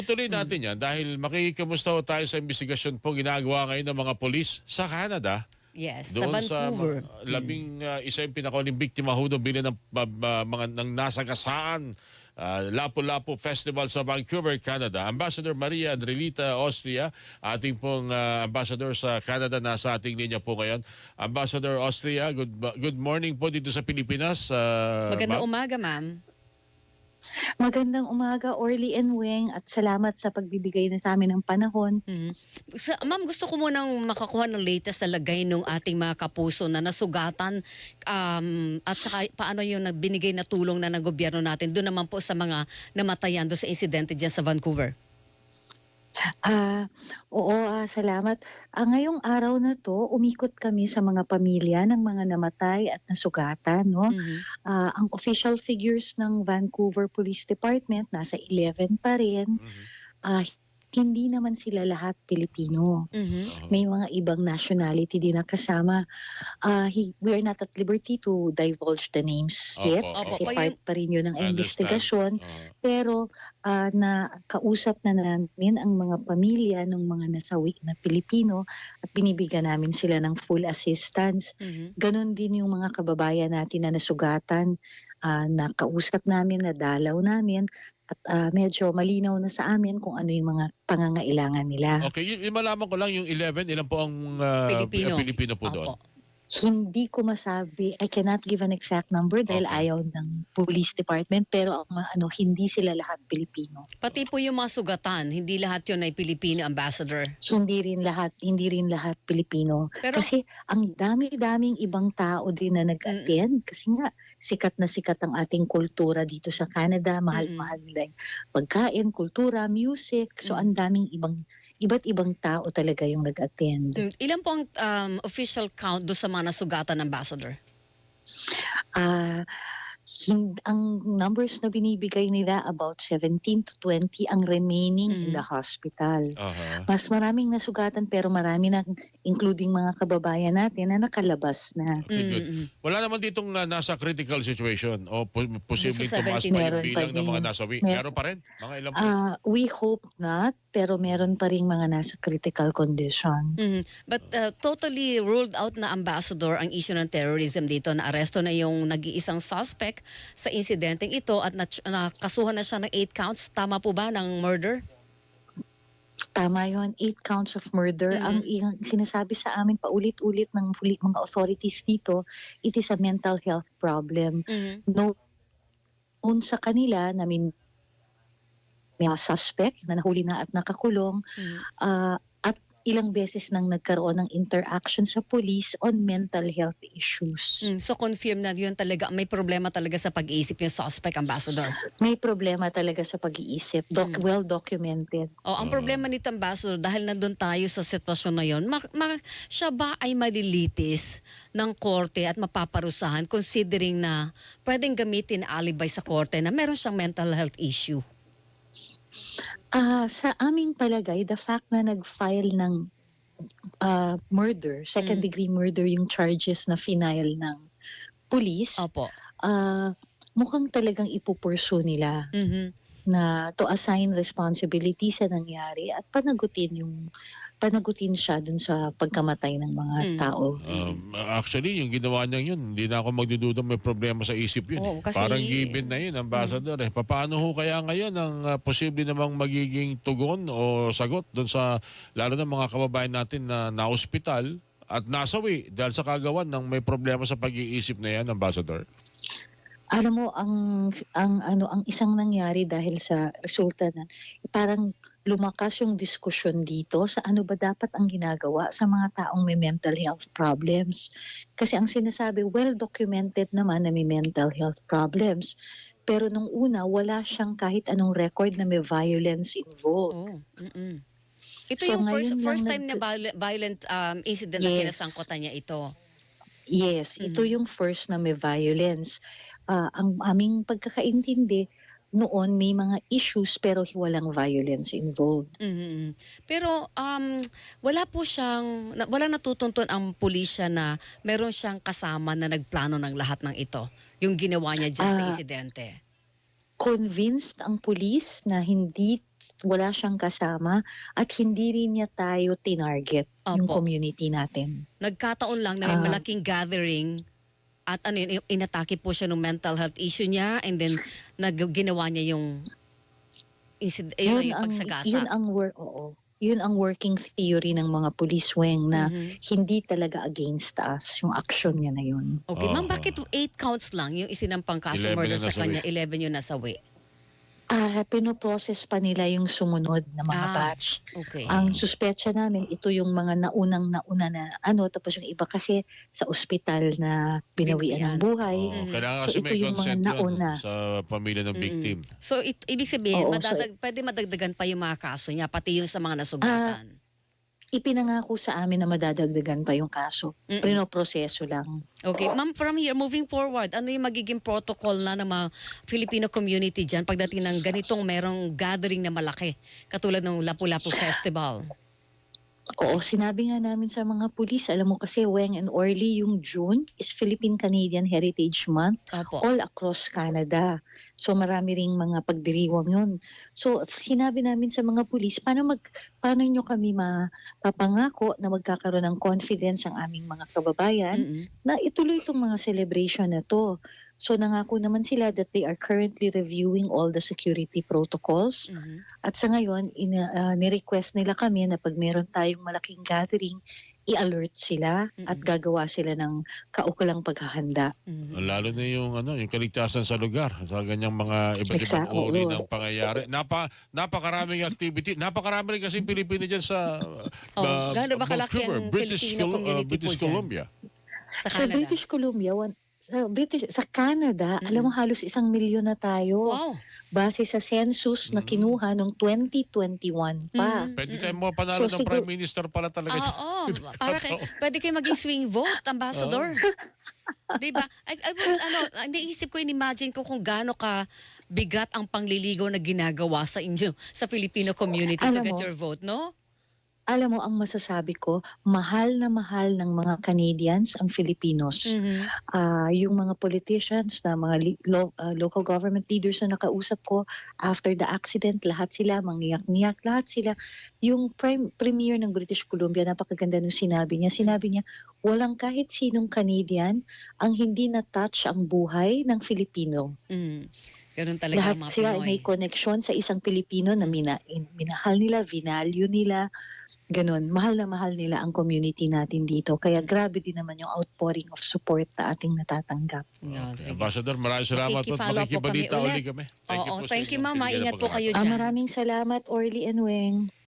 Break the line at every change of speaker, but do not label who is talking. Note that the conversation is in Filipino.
Tuloy natin yan dahil makikimusta ho tayo sa investigasyon po ginagawa ngayon ng mga polis sa Canada.
Yes, sa
Doon sa
Vancouver.
isa yung pinakauling biktima ho doon bilang ng mga ng nasagasaan Lapu-Lapu Festival sa Vancouver, Canada. Ambassador Maria Andrelita Austria, ating pong ambassador sa Canada, nasa ating linya po ngayon. Ambassador Austria, good morning po dito sa Pilipinas.
Magandang umaga, ma'am.
Magandang umaga, Orly and Weng, at salamat sa pagbibigay na sa amin ng panahon.
Ma'am, gusto ko munang makakuha ng latest na lagay ng ating mga kapuso na nasugatan at saka paano yung binigay na tulong na ng gobyerno natin doon naman po sa mga namatayan doon sa insidente dyan sa Vancouver.
Oo, salamat. Ngayong araw na to, umikot kami sa mga pamilya ng mga namatay at nasugatan, no? Ang official figures ng Vancouver Police Department nasa 11 pa rin. Ah, Hindi naman sila lahat Pilipino. May mga ibang nationality din na kasama. We are not at liberty to divulge the names yet. Kasi part pa rin yun ng investigasyon. Pero kausap na namin ang mga pamilya ng mga nasawi na Pilipino at binibigyan namin sila ng full assistance. Ganon din yung mga kababayan natin na nasugatan, na kausap namin, na dalaw namin, at medyo malinaw na sa amin kung ano yung mga pangangailangan nila.
Okay, yung malaman ko lang yung 11, ilan po ang Pilipino po doon?
Hindi ko masabi, I cannot give an exact number dahil ayaw ng police department, pero hindi sila lahat Pilipino.
Pati po yung mga sugatan, hindi lahat yun ay Pilipino, Ambassador.
Hindi rin lahat Pilipino.
Pero,
kasi ang dami-daming ibang tao din na nag-attend. Kasi nga, sikat na sikat ang ating kultura dito sa Canada. Mahal-mahal nila yung pagkain, kultura, music. So, ang daming iba't ibang tao talaga yung nag-attend.
Ilan po ang official count do sa mga nasugatan, Ambassador?
Ang numbers na binibigay nila about 17 to 20 ang remaining in the hospital. Mas maraming nasugatan pero marami na, including mga kababayan natin, na nakalabas na.
Okay, good. Wala naman ditong nasa critical situation o posibleng tumaas pa yung bilang ng mga nasawi. Meron pa rin? Mga ilan po?
We hope not, pero meron pa rin mga nasa critical condition.
But totally ruled out na, Ambassador, ang issue ng terrorism dito, na aresto na yung nag-iisang suspect sa insidenteng ito at nakasuhan na siya ng 8 counts. Tama po ba ng murder?
Tama yun, 8 counts of murder. Ang sinasabi sa amin paulit-ulit ng mga authorities dito, it is a mental health problem. Noon sa kanila, may mga suspect na nahuli na at nakakulong, at ilang beses nang nagkaroon ng interaction sa police on mental health issues.
So confirm na yun talaga, may problema talaga sa pag-iisip yung suspect, Ambassador?
May problema talaga sa pag-iisip, well documented.
Ang problema nito, Ambassador, dahil nandun tayo sa sitwasyon na yun, siya ba ay malilitis ng korte at mapaparusahan considering na pwedeng gamitin alibi sa korte na meron siyang mental health issue?
Sa aming palagay, the fact na nag-file ng murder, second degree murder yung charges na final ng police, mukhang talagang ipupursu nila na to assign responsibility sa nangyari at panagutin siya dun sa pagkamatay ng mga tao.
Actually, yung ginawa niya yun, hindi na ako magdududa may problema sa isip yun. Parang given na yun, Ambassador. Paano ho kaya ngayon ang posible namang magiging tugon o sagot dun sa, lalo na mga kababayan natin na na-hospital at nasawi dahil sa kagawan ng may problema sa pag-iisip na yan, Ambassador?
Alam mo, ang isang nangyari dahil sa resulta na parang lumakas yung diskusyon dito sa ano ba dapat ang ginagawa sa mga taong may mental health problems. Kasi ang sinasabi, well documented naman na may mental health problems. Pero nung una, wala siyang kahit anong record na may violence involved.
Ito yung first time na violent incident na kinasangkutan niya ito.
Yes, ito yung first na may violence. Ang aming pagkakaintindi, noon may mga issues pero walang violence involved.
Pero wala natutuntun ang pulisya na meron siyang kasama na nagplano ng lahat ng ito, yung ginawa niya dyan sa insidente.
Convinced ang pulis na hindi wala siyang kasama at hindi rin niya tayo tinarget yung
Opo.
community natin.
Nagkataon lang na may
Ah.
malaking gathering at ano yun, inatake po siya ng mental health issue niya and then ginawa niya yung yung pagsagasa.
Yun ang working theory ng mga police wing na
Mhm.
hindi talaga against us yung action niya na yun.
Okay, ma'am,
Oo.
bakit 8 counts lang yung isinampang kaso
11
murder
yung
sa
nasawi.
kanya, 11 yung nasawi?
Pinoprocess pa nila yung sumunod na mga batch.
Okay.
Ang suspetsya namin, ito yung mga nauna na tapos yung iba kasi sa ospital na binawian ng buhay.
Oo, kailangan
So,
kasi
ito
may
yung mga
consent yun
nauna.
sa pamilya ng victim.
So, ibig sabihin,
Oo, so,
pwede madagdagan pa yung mga kaso niya, pati yung sa mga nasugatan.
Ipinangako sa amin na madadagdagan pa yung kaso.
Mm-mm.
Pinoproseso lang.
Okay, ma'am, from here, moving forward, ano yung magiging protocol na ng mga Filipino community dyan pagdating ng ganitong merong gathering na malaki, katulad ng Lapu-Lapu Festival?
Oo, sinabi nga namin sa mga pulis, alam mo kasi Weng and Orly, yung June is Philippine-Canadian Heritage Month
Opo.
all across Canada. So marami ring mga pagdiriwang yun. So sinabi namin sa mga pulis, paano nyo kami mapapangako na magkakaroon ng confidence ang aming mga kababayan
Mm-mm.
na ituloy itong mga celebration na to. So nangako naman sila that they are currently reviewing all the security protocols.
Mhm.
At sa ngayon, ni-request nila kami na pag meron tayong malaking gathering, i-alert sila at gagawa sila ng kaukulang paghahanda.
Mhm.
Lalo na yung kaligtasan sa lugar sa ganyang mga iba't ibang
Exactly.
uri ng pangyayari. Napakaraming activity. Napakarami rin kasi Pilipino dyan sa
gaano ba kalaki
Vancouver,
ang Filipino community po
British
dyan?
Columbia.
Sa
Sa
Canada?
British Columbia, sa Canada, alam mo halos 1,000,000 na tayo.
Wow.
Base sa census na kinuha noong 2021 pa.
Mhm.
Pwede tayo mga panalo
So,
ng Prime
siguro-
Minister pala talaga.
Oo, pwede kayo maging swing vote, ambassador. Diba? Naisip ko, in-imagine ko kung gaano ka bigat ang pangliligaw na ginagawa sa inyo, sa Filipino community to
Alam
get
mo,
your vote, no?
Alam mo, ang masasabi ko, mahal na mahal ng mga Canadians ang Filipinos.
Mhm.
Yung mga politicians na mga local government leaders na nakausap ko after the accident, lahat sila mangiyak-ngiyak, lahat sila. Yung premier ng British Columbia, napakaganda nung sinabi niya, walang kahit sinong Canadian ang hindi na-touch ang buhay ng Filipino.
Mhm. Ganun talaga
Lahat
ang mga
sila
Pinoy.
may connection sa isang Pilipino na minahal nila, vinalue nila. Ganun, mahal na mahal nila ang community natin dito. Kaya grabe din naman yung outpouring of support na ating natatanggap.
Yan, sige.
Ambassador, maraming salamat po at
Makikifollow po
makikibalita
kami
uli
ulit.
kami.
Oo,
sa
thank you,
inyong
ma'am.
binigay na
Maingat po
pagkakataon.
kayo dyan.
Maraming salamat, Orly and Weng.